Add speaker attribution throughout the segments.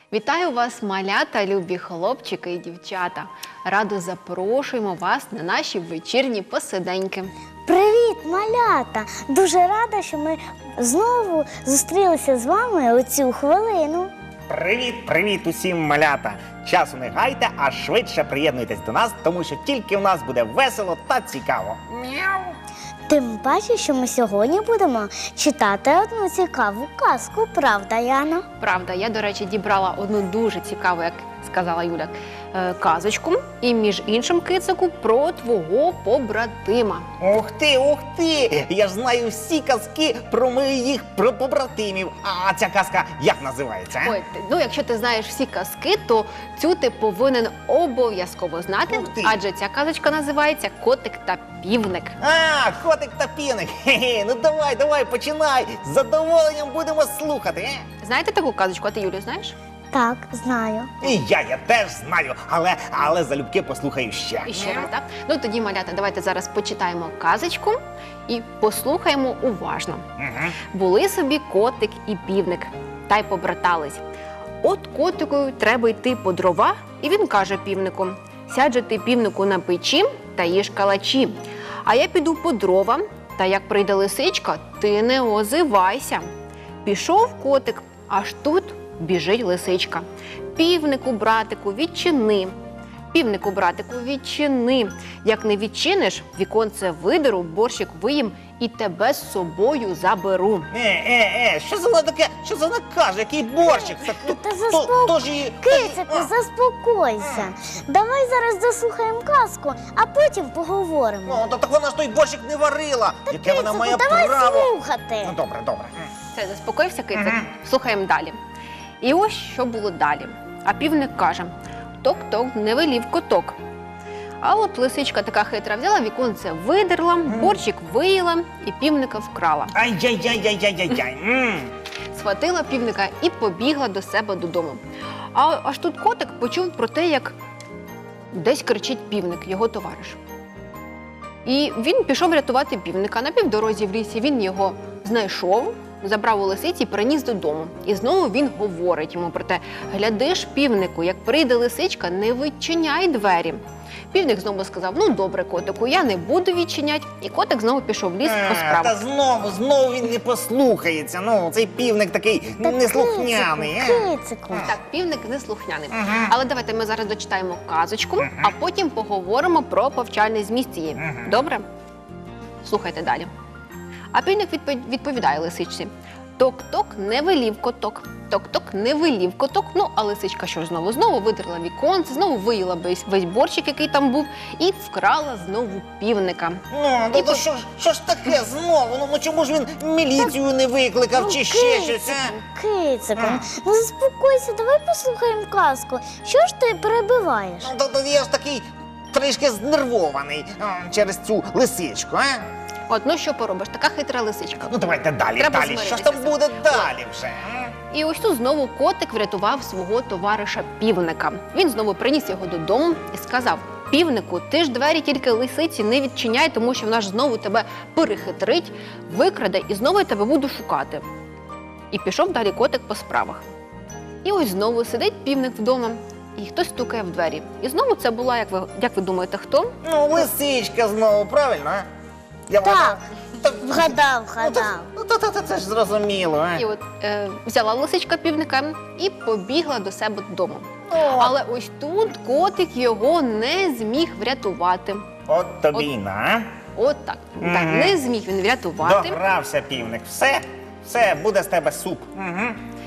Speaker 1: Вітаю вас, малята, любі хлопчики і дівчата. Радо запрошуємо вас на наші вечірні посиденьки.
Speaker 2: Привіт, малята! Дуже рада, що ми знову зустрілися з вами у цю хвилину.
Speaker 3: Привіт усім, малята! Часу не гайте, а швидше приєднуйтесь до нас, тому що тільки в нас буде весело та цікаво. Мяу!
Speaker 2: Тим паче, що ми сьогодні будемо читати одну цікаву казку, правда, Яна?
Speaker 1: Правда, я, до речі, дібрала одну дуже цікаву, як сказала Юля, казочку. І, між іншим, кицику, про твого побратима.
Speaker 3: Ух ти! Я ж знаю всі казки про моїх побратимів. А ця казка як називається?
Speaker 1: Ой, якщо ти знаєш всі казки, то цю ти повинен обов'язково знати,
Speaker 3: Ух ти.
Speaker 1: адже ця казочка називається «Котик та півник».
Speaker 3: А, котик та півник. Хе-хе, ну давай, починай. З задоволенням будемо слухати.
Speaker 1: Знаєте таку казочку? А ти, Юлю, знаєш?
Speaker 2: Так, знаю.
Speaker 3: І я теж знаю, але залюбки послухаю ще.
Speaker 1: І ще раз, так? Ну тоді, малята, давайте зараз почитаємо казочку і послухаємо уважно.
Speaker 3: Угу.
Speaker 1: Були собі котик і півник, та й побратались. От котику треба йти по дрова, і він каже півнику: «Сядь же ти, півнику, на печі та їж калачі, а я піду по дрова, та як прийде лисичка, ти не озивайся». Пішов котик, аж тут біжить лисичка. «Півнику, братику, відчини». «Півнику, братику, відчини. Як не відчиниш, віконце видеру, борщик виїм і тебе з собою заберу».
Speaker 3: Що за вона таке? Що за вона каже? Який борщик?
Speaker 2: Кицику, заспокойся. Давай зараз заслухаємо казку, а потім поговоримо.
Speaker 3: Ну, так вона ж той борщик не варила. Яке вона має
Speaker 2: давай
Speaker 3: право?
Speaker 2: слухати.
Speaker 3: Ну, добре.
Speaker 1: Все, заспокоївся кицик? Слухаємо далі. І ось що було далі. А півник каже: «Ток-ток, не велів коток». А от лисичка така хитра взяла, віконце видерла, борщик виїла і півника вкрала.
Speaker 3: Ай-яй-яй-яй-яй-яй.
Speaker 1: Схватила півника і побігла до себе додому. А аж тут котик почув про те, як десь кричить півник, його товариш. І він пішов рятувати півника. На півдорозі в лісі він його знайшов, забрав у лисиці і приніс додому. І знову він говорить йому про те: «Гляди ж, півнику, як прийде лисичка, не відчиняй двері». Півник знову сказав: «Ну, добре, котику, я не буду відчиняти». І котик знову пішов в ліс по
Speaker 3: Та
Speaker 1: справах.
Speaker 3: знову він не послухається. Ну, цей півник такий неслухняний.
Speaker 2: Кицику.
Speaker 1: Так, півник неслухняний. Але давайте ми зараз дочитаємо казочку, а потім поговоримо про повчальний зміст цієї. Добре? Слухайте далі. А півник відповідає лисичці: «Ток-ток, не велів коток. Ток-ток, не велів коток». Ну, а лисичка що ж знову? Знову видерла віконце, знову виїла весь борщик, який там був, і вкрала знову півника.
Speaker 3: Ну, то що ж таке знову? Ну, чому ж він міліцію не викликав чи ще щось?
Speaker 2: Кицику, ну заспокойся, давай послухаємо казку. Що ж ти перебиваєш?
Speaker 3: Ну, то я ж такий трішки знервований через цю лисичку, а?
Speaker 1: От, ну що поробиш, така хитра лисичка.
Speaker 3: Ну, давайте далі.
Speaker 1: Треба
Speaker 3: Що ж там
Speaker 1: змиритися.
Speaker 3: буде далі вже?
Speaker 1: І ось тут знову котик врятував свого товариша півника. Він знову приніс його додому і сказав: «Півнику, ти ж двері тільки лисиці не відчиняй, тому що вона ж знову тебе перехитрить, викраде, і знову я тебе буду шукати». І пішов далі котик по справах. І ось знову сидить півник вдома, і хтось стукає в двері. І знову це була, як ви думаєте, хто?
Speaker 3: Ну, лисичка знову, правильно, а? Я
Speaker 2: Так,
Speaker 3: Так,
Speaker 2: вгадав.
Speaker 3: це ж зрозуміло, а?
Speaker 1: І от взяла лисичка півника і побігла до себе додому.
Speaker 3: О,
Speaker 1: Але ось тут котик його не зміг врятувати.
Speaker 3: от тобі й на.
Speaker 1: От так. Так, не зміг він врятувати.
Speaker 3: Догрався півник. Все, буде з тебе суп. Угу.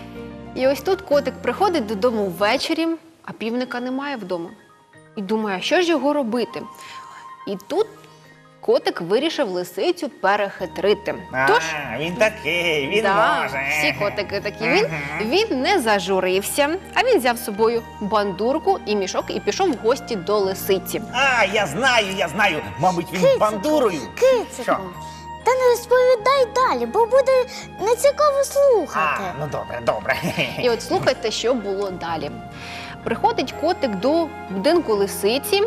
Speaker 1: І ось тут котик приходить додому ввечері, а півника немає вдома. І думає, а що ж його робити? І тут котик вирішив лисицю перехитрити. Тож,
Speaker 3: Він такий, він
Speaker 1: да,
Speaker 3: може.
Speaker 1: всі котики такі. Він не зажурився, а він взяв з собою бандурку і мішок і пішов в гості до лисиці.
Speaker 3: А, я знаю. Мабуть, він
Speaker 2: Кицику,
Speaker 3: бандурою.
Speaker 2: Кицику,
Speaker 3: Що?
Speaker 2: та не розповідай далі, бо буде нецікаво слухати.
Speaker 3: Ну добре.
Speaker 1: І от слухайте, що було далі. Приходить котик до будинку лисиці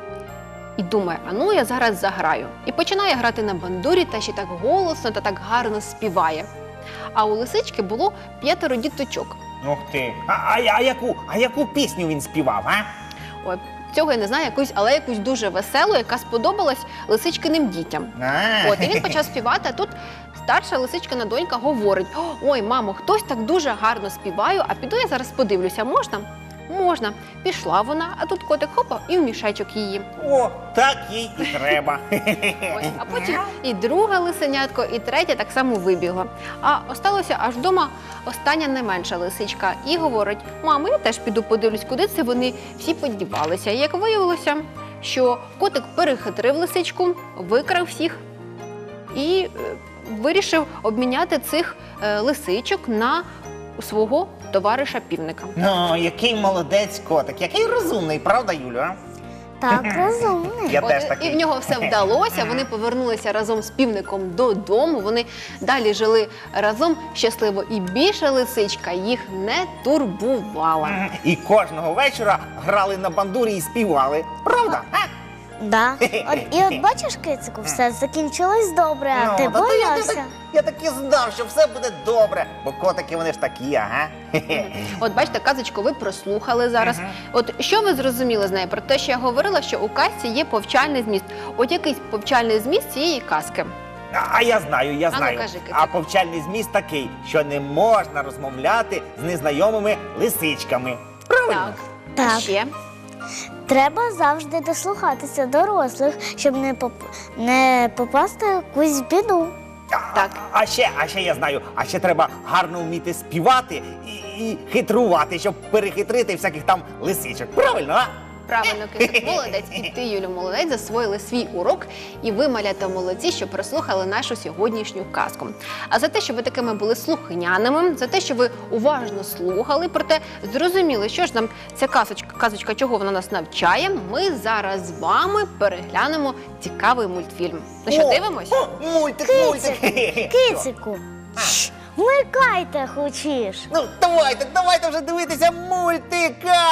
Speaker 1: і думає, а ну я зараз заграю. І починає грати на бандурі, та ще так голосно та так гарно співає. А у лисички було 5 діточок.
Speaker 3: Ух ти. А яку пісню він співав, а?
Speaker 1: Ой, цього я не знаю, але якусь дуже веселу, яка сподобалась лисичкиним дітям.
Speaker 3: А.
Speaker 1: От, і він почав співати, а тут старша лисичкина донька говорить: ой, мамо, хтось так дуже гарно співає, а піду я зараз подивлюся, можна? Можна. Пішла вона, а тут котик хопа і в мішечок її.
Speaker 3: О, так їй і треба.
Speaker 1: Ось, а потім і друга лисенятко, і третя так само вибігла. А осталося аж вдома остання найменша лисичка. І говорить: мамо, я теж піду подивлюсь, куди це вони всі подівалися. І як виявилося, що котик перехитрив лисичку, викрав всіх і вирішив обміняти цих лисичок на свого товариша півника.
Speaker 3: Ну, який молодець котик, який розумний, правда, Юлю? А?
Speaker 2: Так, розумний.
Speaker 3: Я
Speaker 1: От,
Speaker 3: теж
Speaker 1: і
Speaker 3: такий.
Speaker 1: в нього все вдалося. Вони повернулися разом з півником додому. Вони далі жили разом щасливо, і більше лисичка їх не турбувала.
Speaker 3: І кожного вечора грали на бандурі і співали. Правда? А?
Speaker 2: Да. І от бачиш, кицику, все закінчилось добре, а ти
Speaker 3: Ну, та
Speaker 2: боявся.
Speaker 3: я так і знав, що все буде добре, бо котики вони ж такі, ага.
Speaker 1: От бачите, казочку ви прослухали зараз. От що ви зрозуміли з нею? Про те, що я говорила, що у казці є повчальний зміст. От якийсь повчальний зміст цієї казки.
Speaker 3: А я знаю,
Speaker 1: ну, кажи, Кицик.
Speaker 3: А повчальний зміст такий, що не можна розмовляти з незнайомими лисичками. Правильно?
Speaker 1: Так. А
Speaker 2: Так.
Speaker 1: ще?
Speaker 2: Треба завжди дослухатися дорослих, щоб не попасти в якусь біду.
Speaker 1: Так.
Speaker 3: А ще я знаю, а ще треба гарно вміти співати і хитрувати, щоб перехитрити всяких там лисичок. Правильно, а?
Speaker 1: Правильно, Кицик, молодець. І ти, Юлю, молодець, засвоїли свій урок. І ви, малята, молодці, що прослухали нашу сьогоднішню казку. А за те, що ви такими були слухняними, за те, що ви уважно слухали, проте зрозуміли, що ж нам ця казочка, чого вона нас навчає, ми зараз з вами переглянемо цікавий мультфільм. Ну що, дивимось?
Speaker 3: Мультик.
Speaker 2: Кицику, вмикайте хочеш.
Speaker 3: Ну, давайте вже дивитися мультика.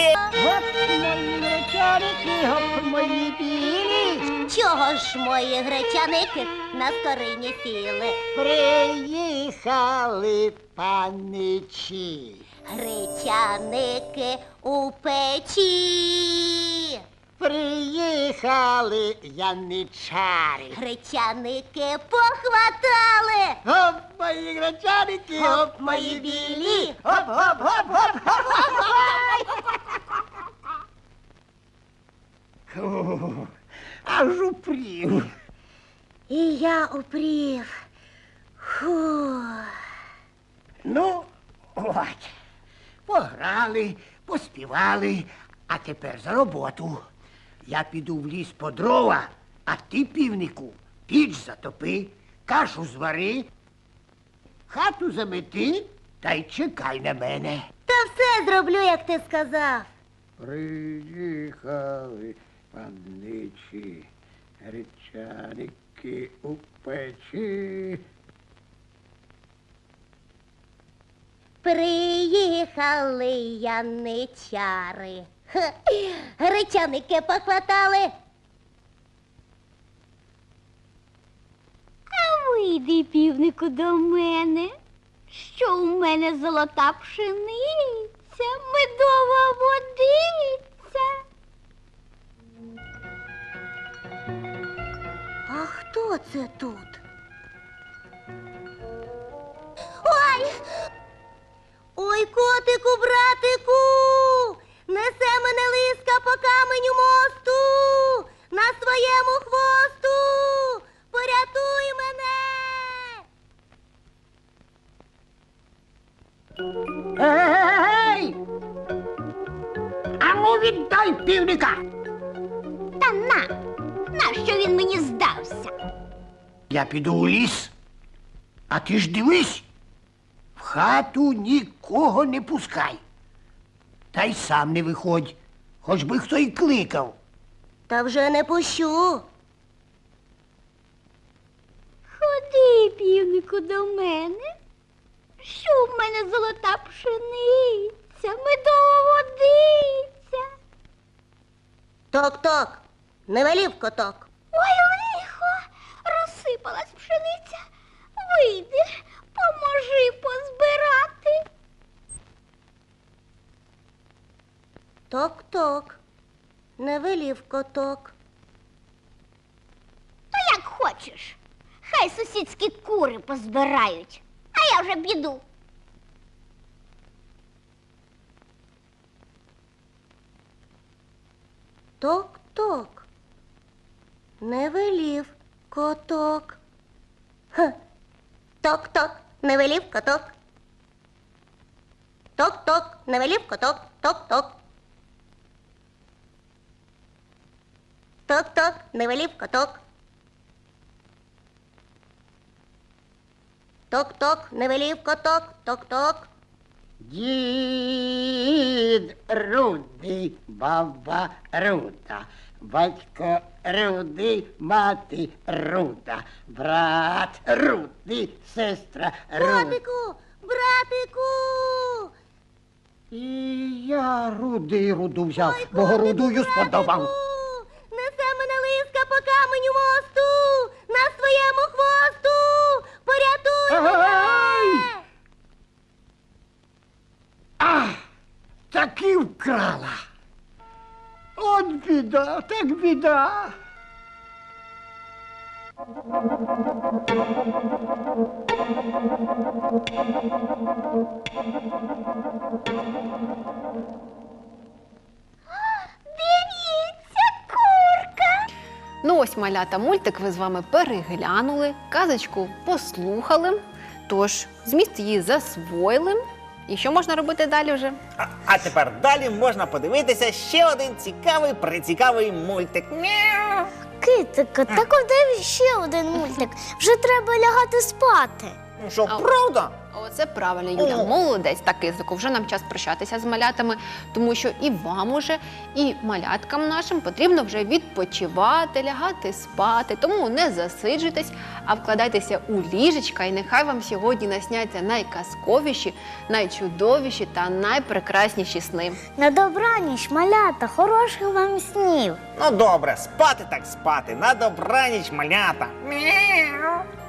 Speaker 4: Чого ж мої гречаники на скорині сіли?
Speaker 5: Приїхали паничі.
Speaker 4: Гречаники у печі.
Speaker 5: Приїхали яничари.
Speaker 4: Гречаники похватали.
Speaker 5: Гоп, мої гречаники,
Speaker 4: Гоп, мої білі.
Speaker 5: Гоп, гоп, гоп, гоп, гоп, гоп. Аж упрів.
Speaker 4: І я упрів. Фу.
Speaker 5: Ну, от, пограли, поспівали, а тепер за роботу. Я піду в ліс по дрова, а ти, півнику, піч затопи, кашу звари, хату замети та й чекай на мене.
Speaker 4: Та все зроблю, як ти сказав.
Speaker 5: Приїхали паничі, гречаники у печі.
Speaker 4: Приїхали яничари. Хе, гречаники похватали.
Speaker 6: А вийди, півнику, до мене, що у мене золота пшениця, медова водиця.
Speaker 4: А хто це тут? Ой! Ой, котику, братику! Несе мене лиска по каменю мосту, на своєму хвосту! Порятуй мене!
Speaker 5: Ей! Ану віддай півника!
Speaker 6: Та нащо він мені здався?
Speaker 5: Я піду у ліс, а ти ж дивись, в хату нікого не пускай. Та й сам не виходь, хоч би хто й кликав.
Speaker 4: Та вже не пущу.
Speaker 6: Ходи, півнику, до мене, що в мене золота пшениця, медова водиця.
Speaker 4: Ток-ток, не велів коток.
Speaker 6: Ой, лихо, розсипалась пшениця. Вийди, поможи позбирати.
Speaker 4: Ток-ток, не велів коток.
Speaker 6: То як хочеш. Хай сусідські кури позбирають, а я вже піду.
Speaker 4: Ток-ток, не велів коток. Ха. Ток-ток, не велів коток. Ток-ток, не велів коток. Ток-ток. Ток-ток, не велів коток. Ток-ток, не велів коток. Ток-ток.
Speaker 5: Дід Рудий, баба Руда, батько Рудий, мати Руда, брат Рудий, сестра Руда.
Speaker 4: Братику, братику!
Speaker 5: І я Рудий Руду взяв, бо Рудую сподобав.
Speaker 4: Несе мене лиска по каменю мосту, на своєму хвосту, порятуй
Speaker 5: Ай!
Speaker 4: мене!
Speaker 5: А, таки вкрала. От біда, так біда.
Speaker 6: Дивіться, курка.
Speaker 1: Ну ось, малята, мультик ви з вами переглянули, казочку послухали, тож зміст її засвоїли. І що можна робити далі вже?
Speaker 3: А тепер далі можна подивитися ще один цікавий, прицікавий мультик. Мяу.
Speaker 2: Китику, так де ще один мультик. Вже треба лягати спати.
Speaker 3: Ну що,
Speaker 1: А-
Speaker 3: правда?
Speaker 1: Оце правильно, Юля, молодець. Так, кизику, вже нам час прощатися з малятами, тому що і вам уже, і маляткам нашим потрібно вже відпочивати, лягати спати. Тому не засиджуйтесь, а вкладайтеся у ліжечка, і нехай вам сьогодні насняться найказковіші, найчудовіші та найпрекрасніші сни.
Speaker 2: На добраніч, малята, хороших вам снів.
Speaker 3: Ну добре, спати так спати. На добраніч, малята. Мяу.